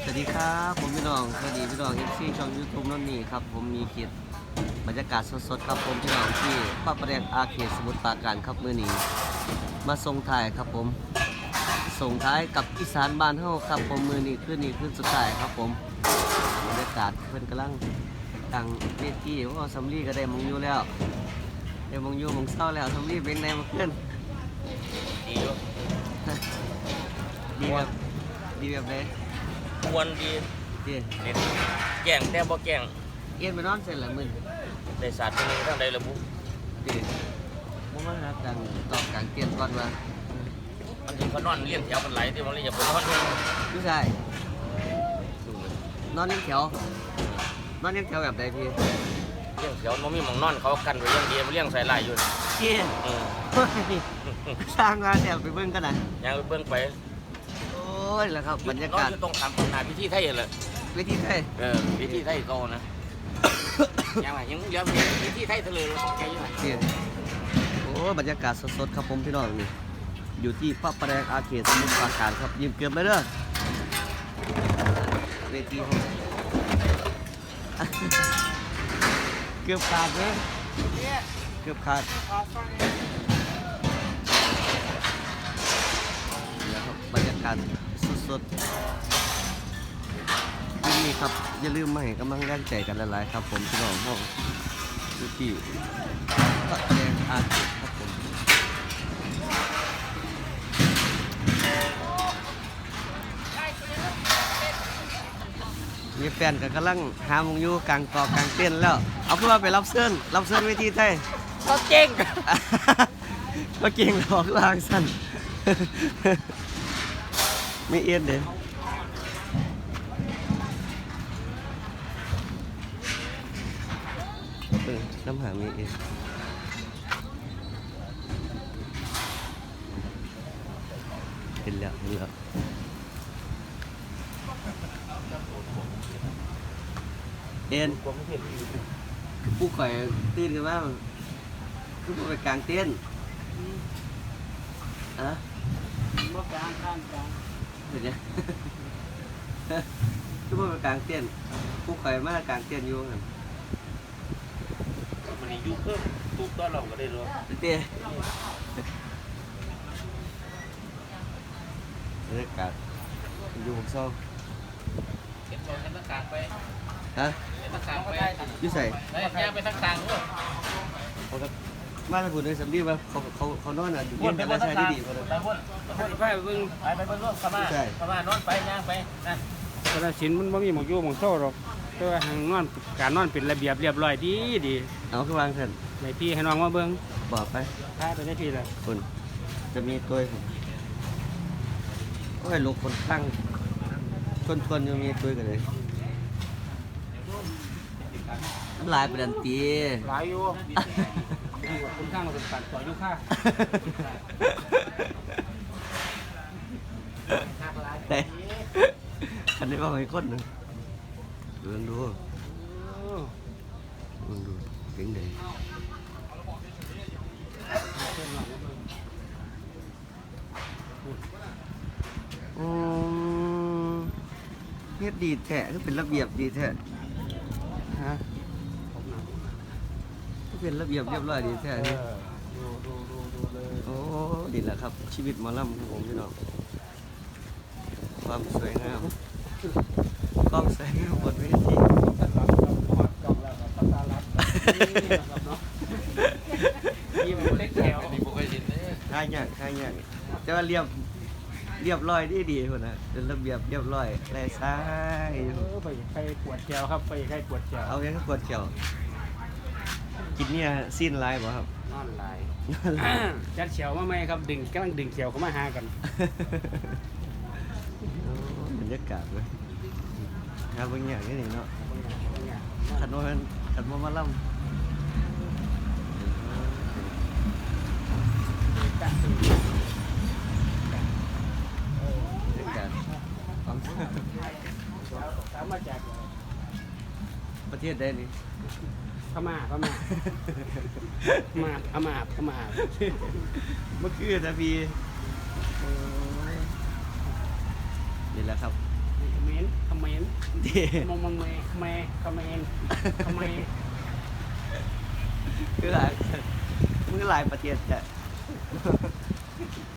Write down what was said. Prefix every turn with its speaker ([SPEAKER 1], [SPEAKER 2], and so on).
[SPEAKER 1] วัสดีครับผมพี่น้องสวัสดีพี่น้องเอฟซีช่องยูทูบนั่นนี่ครับผมมีคลิปบรรยากาศสดๆครับผมพี่น้องที่พระประแดงอาเขตสมุทรปราการครับมื้อนี้มาส่งท้ายครับผมส่งท้ายกับอีสานบ้านเฮาครับผมมื้อนี้ขึ้นสุดท้ายครับผมบรรยากาศเพิ่นกำลังตั้งเวทีว่าสำลีก็ได้มงอยู่แล้วได้มงอยู่มงเศร้าแล้วสำลีเป็นไงมาขึ้น
[SPEAKER 2] ดีอยู่
[SPEAKER 1] ดีแบบดีแบบไหน
[SPEAKER 2] ควรดี
[SPEAKER 1] ดี
[SPEAKER 2] เด็ดแกล้งแต่บ่แกล้ง
[SPEAKER 1] เอียนไปนอนเสร็จแล้วมึน
[SPEAKER 2] ได้ศาสตร์ตรงนี้ทั้งใดระบุ
[SPEAKER 1] ดีผมว่าครับดังตอบกลางเตียนก่อนว่า
[SPEAKER 2] มันถึงเขานอนเลี้ยงแถวกันไหลที่มันเลยอย่าไปนอน
[SPEAKER 1] ผู้ชายนอนเลี้ยงแถวนอนเลี้ยงแถวแบบใดพี่
[SPEAKER 2] เลี้ยงแถวมันมีหมองนอนเขากันไว้อย่างเดียวเลี้ยงใส่ลายอยู่
[SPEAKER 1] เกี้ย
[SPEAKER 2] อืม
[SPEAKER 1] สร้างงานแถวไปเบิ่งกันนะ
[SPEAKER 2] ยังไปเบิ่งไป
[SPEAKER 1] โอ้ยแล้วครับบรรยากาศ
[SPEAKER 2] นอนอยู่ตรงขามหน้าพิธีไทยเลย
[SPEAKER 1] เวทีไทย
[SPEAKER 2] พิธีไทยโตนะยังไงยังเลี้ยงพิธีไทยทะเลของแกอยู่ไหน
[SPEAKER 1] เกี้ยโอ้บรรยากาศสดๆครับผมพี่น้องนี่อยู่ที่พระประแดงอาเขตสมุทรปราการครับยืมเกือบเลยเด้อเวทีห้องเกือบขาดเลยเกือบขาดแล้วครับบรรยากาศสดๆนี่ครับอย่าลืมมาให้กำลังแรงใจกันหลายๆครับผมพี่น้องห้องอยู่ที่พระประแดงอาเขตครับผมมีแฟนกับกำลังหามงอยู่กลางต่อกลางเต้นแล้วเอาเพื่อไปรับเสื้อเวทีไทย
[SPEAKER 2] ก็เก่ง
[SPEAKER 1] ก็เก่งหลอกลางสั้น ไม่เอียนเด้น้ำหามีเอียนเห็นแล้วเอ็นผู้ข่อยตื่นกันว่าคือไปกลางเต้นอะบ่กลางข้างกลางเดี๋ยวคือไปกลางเต้นผู้ข่อยมากลางเต้นอยู่กัน
[SPEAKER 2] มันยุ่งเพิ่มตูบต้อนเราก็ได้รู้
[SPEAKER 1] เต้บรรยากาศอยู่ผมเศร้า
[SPEAKER 2] เก็บตัวให้ตั้งกลางไป
[SPEAKER 1] ฮะ
[SPEAKER 2] ให้ตั้งกลางไป
[SPEAKER 1] อยู่ใส่
[SPEAKER 2] ได้ย่างไปตั้งกลางด้วย
[SPEAKER 1] เขาก็มาทางคุณในสำลีว่าเขานอนอ่ะอยู่เย็นกันแล้วใช้ดีๆเขาเลย
[SPEAKER 2] ไปพุ่นไปเบิ่งไปเบิ่งขม่านอนไปย่างไปนะ
[SPEAKER 3] กระสินมันบ่มีหมองอยู่หมองโซ่หรอกแต่ว่าหางนอนการนอนเป็นระเบียบเรียบร้อยดี
[SPEAKER 1] เอาขึ้นวางเถอะ
[SPEAKER 3] ให้พี่ให้น้องมาเบิ่ง
[SPEAKER 1] บอกไป
[SPEAKER 3] พาไปได้พี่ละ
[SPEAKER 1] คุณจะมีตัวผมโอ้ยลูกคนตั้งชวนยังมีตัวกันเลยลายเป็นอันตี
[SPEAKER 3] หลายอยู่คุณข้างมาเป็นปัดต่ออยู่ค่า
[SPEAKER 1] แต่คันนี้ว่าไงคนหนึ่งดูเก่งเลยเฮ็ดดีแท้ก็เป็นระเบียบดีแท้ฮะก็เป็นระเบียบเรียบร้อยดีแท้นี่
[SPEAKER 3] ดูเลย
[SPEAKER 1] โอ้ดีแหละครับชีวิตหมอลำของผมพี่น้องความสวยงามความสวยงามบนเวที
[SPEAKER 3] นี่มันเล็กแถว
[SPEAKER 2] นี่บ่เคยเห็นเลย
[SPEAKER 1] ค่ายากแต่ว่าเรียบร้อยดีคนนะเป็นระเบียบเรียบร้อยแลซ้าย
[SPEAKER 3] ไปใครปวดแถวครับไปใครปวดแถว
[SPEAKER 1] เอาแค่กดเขียวกินเนี่ยสิ้นลายบ่ครับ
[SPEAKER 3] นอนหลายจัดเฉียวมาไหมครับกำลังดึงเฉียวเข้ามาหากัน
[SPEAKER 1] โอ้บรรยากาศเลยครับบางอย่างนี่เนาะขันว่ามาล่ำบรรยากาศของ
[SPEAKER 3] ถามมาจาก
[SPEAKER 1] ประเทศใดนี่
[SPEAKER 3] พม่าพม่าพม่า
[SPEAKER 1] เมื่อคืนนะพี่นี่แหละครับ
[SPEAKER 3] คอมเมนต์คอมเมนต์
[SPEAKER 1] ที่
[SPEAKER 3] มองเมย์เมย์คอมเมนต์คอมเมนต์
[SPEAKER 1] คือหลายมือหลายประเทศจะ